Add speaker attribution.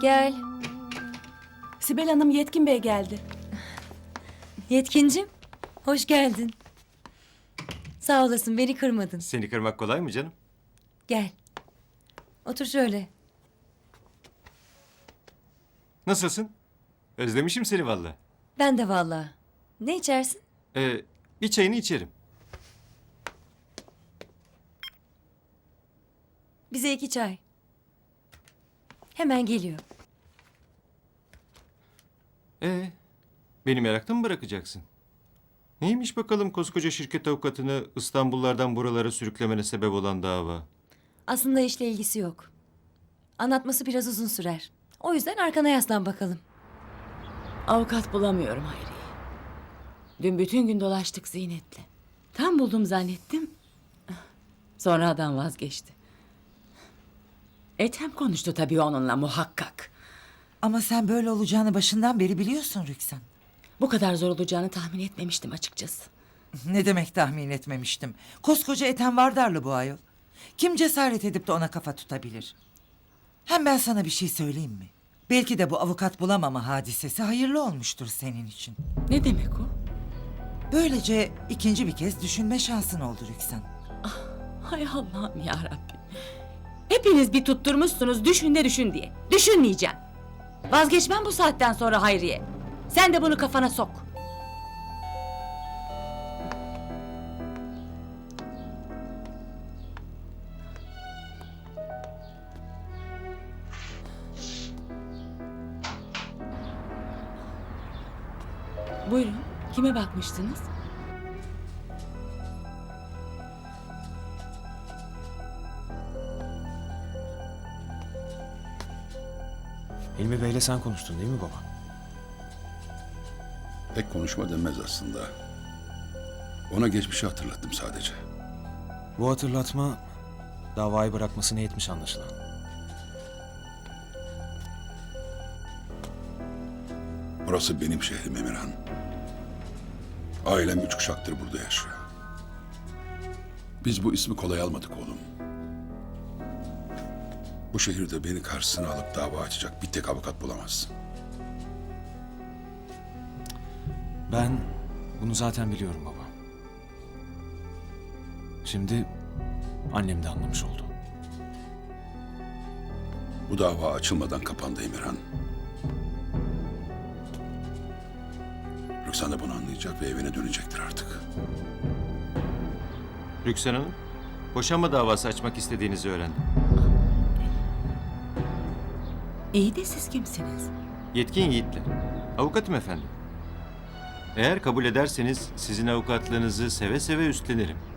Speaker 1: Gel.
Speaker 2: Sibel Hanım, Yetkin Bey geldi.
Speaker 1: Yetkincim, hoş geldin. Sağ olasın, beni kırmadın.
Speaker 3: Seni kırmak kolay mı canım?
Speaker 1: Gel. Otur şöyle.
Speaker 3: Nasılsın? Özlemişim seni vallahi.
Speaker 1: Ben de vallahi. Ne içersin?
Speaker 3: Bir çayını içerim.
Speaker 1: Bize 2 çay. Hemen geliyor.
Speaker 3: Beni merakta mı bırakacaksın? Neymiş bakalım koskoca şirket avukatını İstanbullardan buralara sürüklemene sebep olan dava?
Speaker 1: Aslında işle ilgisi yok. Anlatması biraz uzun sürer. O yüzden arkana yaslan bakalım.
Speaker 4: Avukat bulamıyorum Hayriye. Dün bütün gün dolaştık Zeynep'le. Tam buldum zannettim. Sonra adam vazgeçti. Ethem konuştu tabii onunla muhakkak.
Speaker 5: Ama sen böyle olacağını başından beri biliyorsun Rüksan.
Speaker 4: Bu kadar zor olacağını tahmin etmemiştim açıkçası.
Speaker 5: Ne demek tahmin etmemiştim. Koskoca Ethem Vardarlı bu ayol. Kim cesaret edip de ona kafa tutabilir? Hem ben sana bir şey söyleyeyim mi? Belki de bu avukat bulamama hadisesi hayırlı olmuştur senin için.
Speaker 4: Ne demek o?
Speaker 5: Böylece ikinci bir kez düşünme şansın oldu Rüksan.
Speaker 4: Hay Allah'ım ya Rabbi. Hepiniz bir tutturmuşsunuz düşün de düşün diye. Düşünmeyeceğim. Vazgeçmem bu saatten sonra Hayriye. Sen de bunu kafana sok. Buyurun. Kime bakmıştınız?
Speaker 6: Hilmi Bey'le sen konuştun değil mi baba?
Speaker 7: Pek konuşma denmez aslında. Ona geçmişi hatırlattım sadece.
Speaker 6: Bu hatırlatma davayı bırakmasına yetmiş anlaşılan.
Speaker 7: Burası benim şehrim Emirhan. Ailem 3 kuşaktır burada yaşıyor. Biz bu ismi kolay almadık oğlum. Bu şehirde beni karşısına alıp dava açacak bir tek avukat bulamazsın.
Speaker 6: Ben bunu zaten biliyorum baba. Şimdi annem de anlamış oldu.
Speaker 7: Bu dava açılmadan kapandı Emirhan. Rüksan da bunu anlayacak ve evine dönecektir artık.
Speaker 3: Rüksan Hanım, boşanma davası açmak istediğinizi öğrendim.
Speaker 4: İyi de siz kimsiniz?
Speaker 3: Yetkin Yiğit'le. Avukatım efendim. Eğer kabul ederseniz sizin avukatlığınızı seve seve üstlenirim.